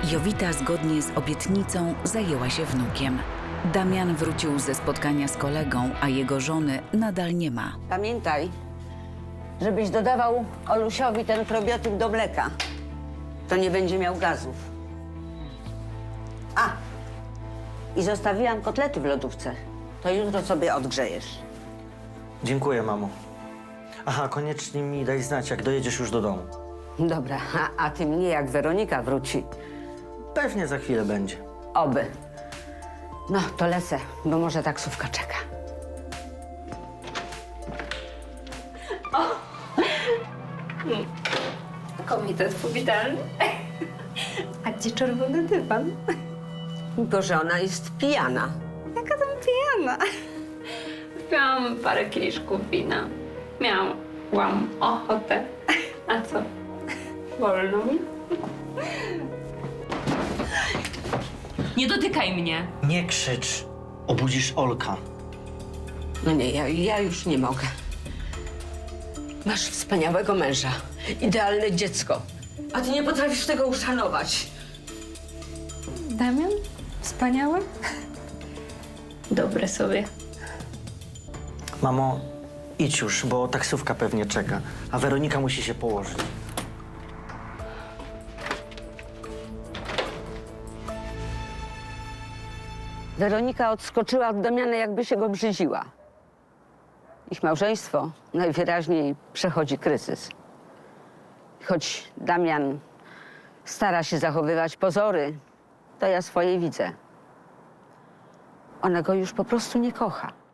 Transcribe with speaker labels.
Speaker 1: Jowita zgodnie z obietnicą zajęła się wnukiem. Damian wrócił ze spotkania z kolegą, a jego żony nadal nie ma.
Speaker 2: Pamiętaj, żebyś dodawał Olusiowi ten probiotyk do mleka. To nie będzie miał gazów. A! I zostawiłam kotlety w lodówce. To jutro sobie odgrzejesz.
Speaker 3: Dziękuję, mamo. Aha, koniecznie mi daj znać, jak dojedziesz już do domu.
Speaker 2: Dobra, a ty mnie, jak Weronika wróci.
Speaker 3: Pewnie za chwilę będzie.
Speaker 2: Oby. No, to lecę, bo może taksówka czeka.
Speaker 4: Komitet powitalny. A gdzie czerwony dywan?
Speaker 2: Tylko że ona jest pijana.
Speaker 4: Jaka tam pijana? Wypiłam parę kieliszków wina. Miałam ochotę. A co? Wolno mi?
Speaker 5: Nie dotykaj mnie!
Speaker 3: Nie krzycz. Obudzisz Olka.
Speaker 2: No nie, ja już nie mogę. Masz wspaniałego męża, idealne dziecko, a ty nie potrafisz tego uszanować.
Speaker 4: Damian? Wspaniały? Dobre sobie.
Speaker 3: Mamo, idź już, bo taksówka pewnie czeka, a Weronika musi się położyć.
Speaker 2: Weronika odskoczyła od Damiana, jakby się go brzydziła. Ich małżeństwo najwyraźniej przechodzi kryzys. Choć Damian stara się zachowywać pozory, to ja swoje widzę. Ona go już po prostu nie kocha.